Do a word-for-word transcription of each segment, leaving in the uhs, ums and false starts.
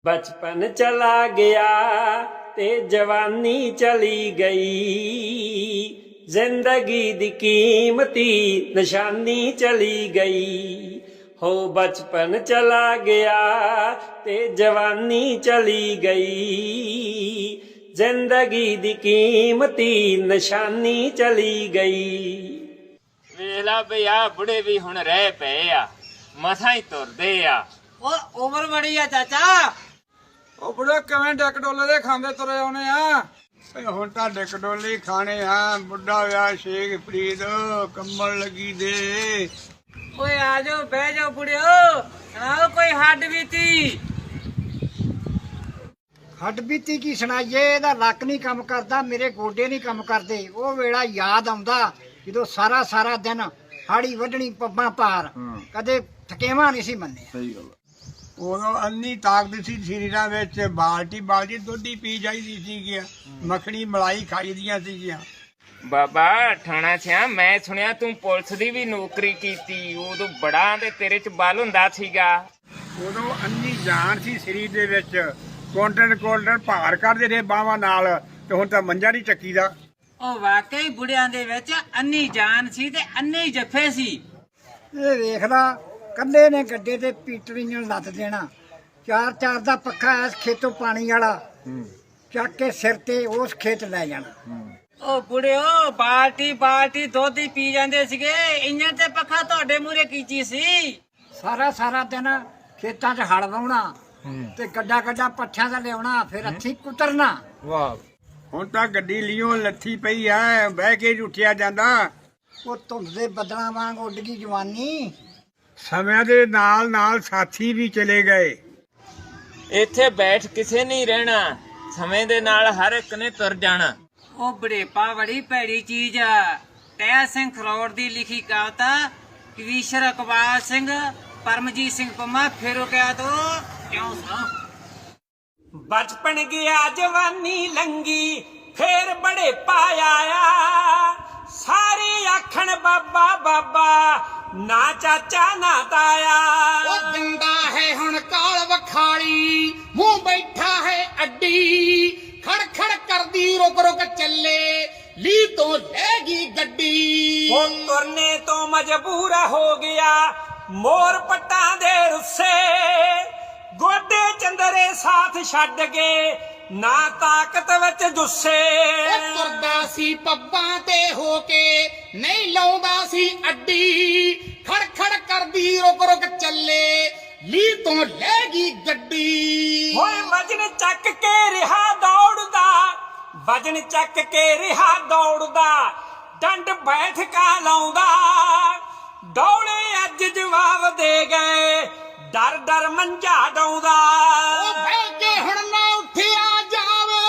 बचपन चला गया ते जवानी चली गई, जिंदगी दी कीमती निशानी चली गई। हो बचपन चला गया ते जवानी चली गई, जिंदगी दी कीमती निशानी चली गई। ਵੇਲਾ ਬਈ ਆ ਬੁੜੇ ਵੀ ਹੁਣ ਰਹਿ ਪਏ ਆ, ਮਸਾਂ ਹੀ ਤੁਰਦੇ ਆ। ਉਹ ਉਮਰ ਬੜੀ ਆ ਚਾਚਾ। ਉਹ ਬੁੜੇ ਕਿਵੇਂ ਡਿੱਕ ਡੋਲੇ ਦੇ ਖਾਂਦੇ ਤੁਰੇ ਆਉਣੇ ਆ। ਹੁਣ ਤਾਂ ਡਿੱਕ ਡੋਲੇ ਖਾਣੇ ਆ। ਬੁੱਢਾ ਵਿਆਹ ਸ਼ੇਖ ਫਰੀਦ ਕੰਮਣ ਲੱਗੀ ਦੇ। ਓਏ ਆ ਜਾਓ ਬਹਿ ਜਾਓ ਬੁੜਿਓ, ਸੁਣਾਓ ਕੋਈ ਹੱਡ ਬੀਤੀ। ਹੱਡ ਬੀਤੀ ਕੀ ਸੁਣਾਈਏ, ਇਹਦਾ ਲੱਕ ਨਹੀਂ ਕੰਮ ਕਰਦਾ, ਮੇਰੇ ਗੋਡੇ ਨਹੀਂ ਕੰਮ ਕਰਦੇ। ਉਹ ਵੇਲਾ ਯਾਦ ਆਉਂਦਾ ਜਦੋਂ ਸਾਰਾ ਸਾਰਾ ਦਿਨ ਹਾੜੀ ਵੱਢਣੀ ਪੱਬਾਂ ਪਾਰ, ਕਦੇ ਥਕੇਵਾ ਨਹੀਂ ਸੀ ਮੰਨਿਆ। ਸਹੀ ਗੱਲ। ਉਦੋਂ ਅੰਨੀ ਤਾਕਤ ਸੀ ਸਰੀਰਾਂ ਵਿੱਚ, ਬਾਲਟੀ ਬਾਲਟੀ ਦੁੱਧ ਹੀ ਪੀ ਜਾਈਦੀ ਸੀ, ਮੱਖਣੀ ਮਲਾਈ ਖਾਈਦੀਆਂ ਸੀਗੀਆਂ। ਬਾਬਾ ਠਾਣਾ ਸਿਆ, ਮੈਂ ਸੁਣਿਆ ਤੂੰ ਪੁਲਿਸ ਦੀ ਵੀ ਨੌਕਰੀ ਕੀਤੀ, ਉਦੋਂ ਬੜਾ ਤੇ ਤੇਰੇ ਚ ਬਲ ਹੁੰਦਾ ਸੀਗਾ। ਉਦੋਂ ਅੰਨੀ ਜਾਨ ਸੀ ਸਰੀਰ ਦੇ ਵਿੱਚ, ਕੁਆਂਟਲ ਕੁਆਂਟਲ ਭਾਰ ਕਰਦੇ ਰਹੇ ਬਾਹਾਂ ਨਾਲ, ਤੇ ਹੁਣ ਤਾਂ ਮੰਜਾ ਨਹੀਂ ਚੱਕੀ ਦਾ। ਉਹ ਵਾਕਈ ਬੁੜਿਆਂ ਦੇ ਵਿੱਚ ਅੰਨੀ ਜਾਨ ਸੀ ਤੇ ਅੰਨੇ ਹੀ ਜੱਫੇ ਸੀ। ਇਹ ਵੇਖਦਾ ਕੱਲੇ ਨੇ ਗੱਡੇ ਤੇ ਪੀਟਰੀਆਂ ਲੱਦ ਦੇਣਾ, ਚਾਰ ਚਾਰ ਦਾ ਪੱਖਾ ਇਸ ਖੇਤੋਂ ਪਾਣੀ ਵਾਲਾ ਚੱਕ ਕੇ ਸਿਰ ਤੇ ਉਸ ਖੇਤ ਲੈ ਜਾਣਾ। ਉਹ ਬੁੜਿਓ ਬਾਲਟੀ ਬਾਲਟੀ ਦੁੱਧ ਹੀ ਪੀ ਜਾਂਦੇ ਸੀਗੇ, ਇੰਜਣ ਤੇ ਪੱਖਾ ਤੁਹਾਡੇ ਮੂਹਰੇ ਕੀਚੀ ਸੀ। ਸਾਰਾ ਸਾਰਾ ਦਿਨ ਖੇਤਾਂ 'ਚ ਹਲ ਵਾਹੁਣਾ ਤੇ ਗੱਡਾ ਗੱਡਾ ਪੱਠਿਆਂ ਦਾ ਲਿਆਉਣਾ, ਫਿਰ ਹੱਥੀਂ ਕੁਤਰਨਾ। ਵਾਹ, ਹੁਣ ਤਾਂ ਗੱਡੀ ਲਿਓ ਲੱਥੀ ਪਈ ਐ, ਬਹਿ ਕੇ ਉੱਠਿਆ ਜਾਂਦਾ। ਉਹ ਧੁੰਦ ਦੇ ਬੱਦਲਾਂ ਵਾਂਗ ਉੱਡ ਗਈ ਜਵਾਨੀ। ਸਮਿਆਂ ਦੇ ਨਾਲ ਨਾਲ ਸਾਥੀ ਵੀ ਚਲੇ ਗਏ। ਇੱਥੇ ਬੈਠ ਕਿਸੇ ਨਹੀਂ ਰਹਿਣਾ, ਸਮੇਂ ਦੇ ਨਾਲ ਹਰ ਇੱਕ ਨੇ ਤੁਰ ਜਾਣਾ। ਉਹ ਬੜੇਪਾ ਬੜੀ ਭੈੜੀ ਚੀਜ਼ ਆ। ਟਹਿ ਸਿੰਘ ਖਰੋੜ ਦੀ ਲਿਖੀ ਕਵਿਤਾ, ਕਵੀਸ਼ਰ ਇਕਬਾਲ ਸਿੰਘ, ਪਰਮਜੀਤ ਸਿੰਘ ਪੰਮਾ, ਫਿਰ ਗਿਆ ਤੋ ਕਿਉਂ ਸੁਣਾ। बचपन गया जवानी लंगी, फिर बड़े पाया, सारे आखन बाबा बाबा, ना चाचा ना ताया। ਉਹ ਦਿੰਦਾ ਹੈ ਹੁਣ ਕਾਲ ਵਖਾਲੀ, ਮੂੰਹ ਬੈਠਾ ਹੈ ਅੱਡੀ, ਖੜ ਖੜ ਕਰਦੀ ਰੁਕ ਰੁਕ ਚੱਲੇ, ਲੀ ਤੋਂ ਲੈ ਗਈ ਗੱਡੀ। वो तुरने तो मजबूर हो गया, मोर पट्टा दे रुस्से, गोडे चंदरे साथ छड़ गए, ना ताकत विच जुस्से। ਉਹ ਤੁਰਦਾ ਸੀ ਪੱਬਾਂ ਤੇ ਹੋ ਕੇ, ਨਹੀਂ ਲਾਉਂਦਾ ਸੀ ਅੱਡੀ, ਖੜ ਖੜ ਕਰਦੀ ਰੁਕ ਰੁਕ ਚੱਲੇ, ਲੀ ਤੋਂ ਲੈ ਗਈ ਗੱਡੀ। ਹੋਏ ਵਜਨ ਚੱਕ ਕੇ ਰਿਹਾ ਦੌੜਦਾ, ਵਜਨ ਚੱਕ ਕੇ ਰਿਹਾ ਦੌੜਦਾ, ਡੰਡ ਬੈਠਕਾ ਲਾਉਂਦਾ, ਡੌਲੇ ਅੱਜ ਜਵਾਬ ਦੇ ਗਏ, ਡਰ ਡਰ ਮੰਝਾ ਡਾਉਂਦਾ। ਉਹ ਬਹਿ ਕੇ ਹੁਣ ਨਾ ਉੱਠਿਆ ਜਾਵੇ,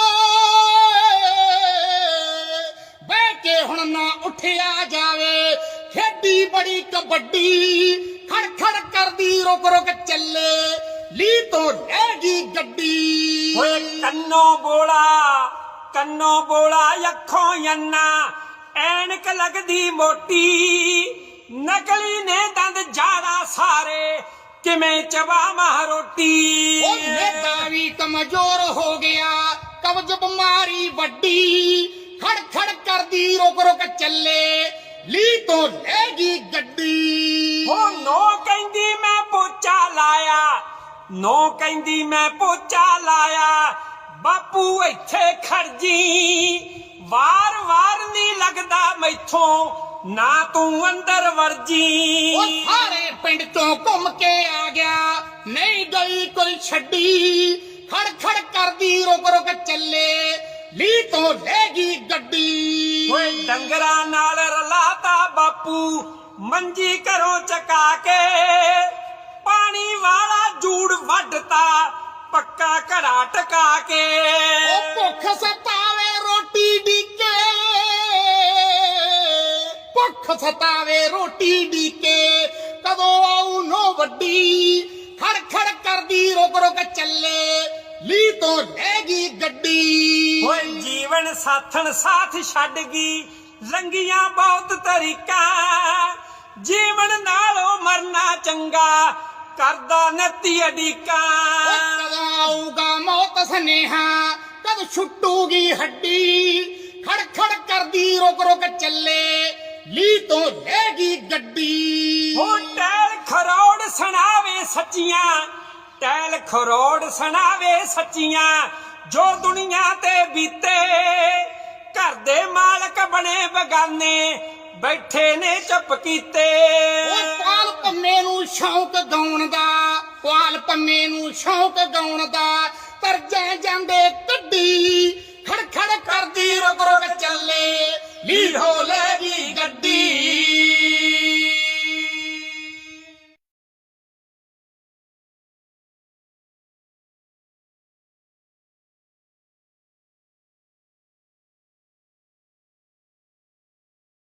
ਬਹਿ ਕੇ ਹੁਣ ਨਾ ਉੱਠਿਆ ਜਾਵੇ, ਖੇਡੀ ਬੜੀ ਕਬੱਡੀ, ਖੜ ਖੜ ਕਰਦੀ ਰੁਕ ਰੁਕ ਚੱਲੇ, ਲੀ ਤੋਂ ਲੈ ਗਈ ਗੱਡੀ। ਹੋਏ ਕੰਨੋਂ ਬੋਲਾ, ਕੰਨੋਂ ਬੋਲਾ, ਅੱਖੋਂ ਅੰਨਾ, ਐਨਕ ਲੱਗਦੀ ਮੋਟੀ, ਨਕਲੀ ਨੇ ਦੰਦ ਜਾੜਾ ਸਾਰੇ, ਕਿਵੇਂ ਚਬਾਵਾਂ ਰੋਟੀ। ਉਹ ਨੇਤਾ ਵੀ ਕਮਜ਼ੋਰ ਹੋ ਗਿਆ, ਕਬਜ਼ ਬਿਮਾਰੀ ਵੱਡੀ, ਖੜ ਖੜ ਕਰਦੀ ਰੁਕ ਰੁਕ ਚੱਲੇ, ਲੀ ਤੋਂ ਲੈ ਗਈ ਗੱਡੀ। ਹੋ ਨੋ ਕਹਿੰਦੀ ਮੈਂ ਪੋਚਾ ਲਾਇਆ, ਨੋ ਕਹਿੰਦੀ ਮੈਂ ਪੋਚਾ ਲਾਇਆ, ਬਾਪੂ ਇੱਥੇ ਖੜਜੀ, ਵਾਰ ਵਾਰ ਨਹੀਂ ਲੱਗਦਾ ਮੈਥੋਂ, ਨਾ ਤੂੰ ਅੰਦਰ ਵਰਜੀ। ਉਹ ਸਾਰੇ ਪਿੰਡ ਤੋਂ ਘੁੰਮ ਕੇ ਆ ਗਿਆ, ਨਹੀਂ ਗਈ ਕੋਈ ਛੱਡੀ, ਖੜ ਖੜ ਕਰਦੀ ਰੁਕ ਰੁਕ ਚੱਲੇ, ਲੀ ਤੋਂ ਲੈ ਗਈ ਗੱਡੀ। ਓਏ ਡੰਗਰਾਂ ਨਾਲ ਰਲਾਤਾ ਬਾਪੂ, ਮੰਜੀ ਘਰੋਂ ਚਕਾ ਕੇ, ਪਾਣੀ ਵਾਲਾ ਜੂੜ ਵੱਢਤਾ, ਪੱਕਾ ਘੜਾ ਟਕਾ ਕੇ। ਉਹ ਭੁੱਖ ਸਤਾਵੇ ਰੋਟੀ ਡੀਕੇ, ਭੁੱਖ ਸਤਾਵੇ ਰੋਟੀ ਡੀਕੇ, ਕਦੋਂ ਆਉ ਨੋ ਵੱਡੀ, ਖੜ ਖੜ ਕਰਦੀ ਰੁਕ ਰੁਕ ਚੱਲੇ, ਲੀ ਤੋਂ ਲੈ ਗਈ ਗੱਡੀ। ਓਏ ਜੀਵਨ ਸਾਥਣ ਸਾਥ ਛੱਡ ਗਈ, ਲੰਗੀਆਂ ਬਹੁਤ ਤਰੀਕਾਂ, ਜੀਵਨ ਨਾਲੋਂ ਮਰਨਾ ਚੰਗਾ, ਕਰਦਾ ਨੱਤੀ ਅਡੀਕਾਂ। ਉਹ ਕਦੋਂ ਆਊਗਾ ਮੌਤ ਸਨੇਹਾ ਕਦ ਛੁੱਟੂਗੀ ਹੱਡੀ ਖੜ ਖੜ ਕਰਦੀ ਰੁਕ ਰੁਕ ਚੱਲੇ ਲੀ ਤੋਂ ਲੈਗੀ ਗੱਡੀ ਹੋ ਟੈਲ ਖਰੋੜ ਸੁਣਾਵੇ ਸੱਚੀਆਂ ਟੈਲ ਖਰੋੜ ਸੁਣਾਵੇ ਸੱਚੀਆਂ ਜੋ ਦੁਨੀਆ ਤੇ ਬੀਤੇ ਘਰ ਦੇ ਮਾਲਕ ਬਣੇ ਬਗਾਨੇ ਬੈਠੇ ਨੇ ਚੁੱਪ ਕੀਤੇ ਓਏ ਪਾਲ ਪੰਮੇ ਨੂੰ ਸ਼ੌਂਕ ਗਾਉਣ ਦਾ ਪਾਲ ਪੰਮੇ ਨੂੰ ਸ਼ੌਂਕ ਗਾਉਣ ਦਾ ਤਰਜੇ ਜਾਂਦੇ ਕੱਢੀ ਖੜ ਖੜ ਕਰਦੀ ਰੁਕ ਰੁਕ ਚੱਲੇ ਲੀ ਹੋ ਲੈਗੀ ਗੱਡੀ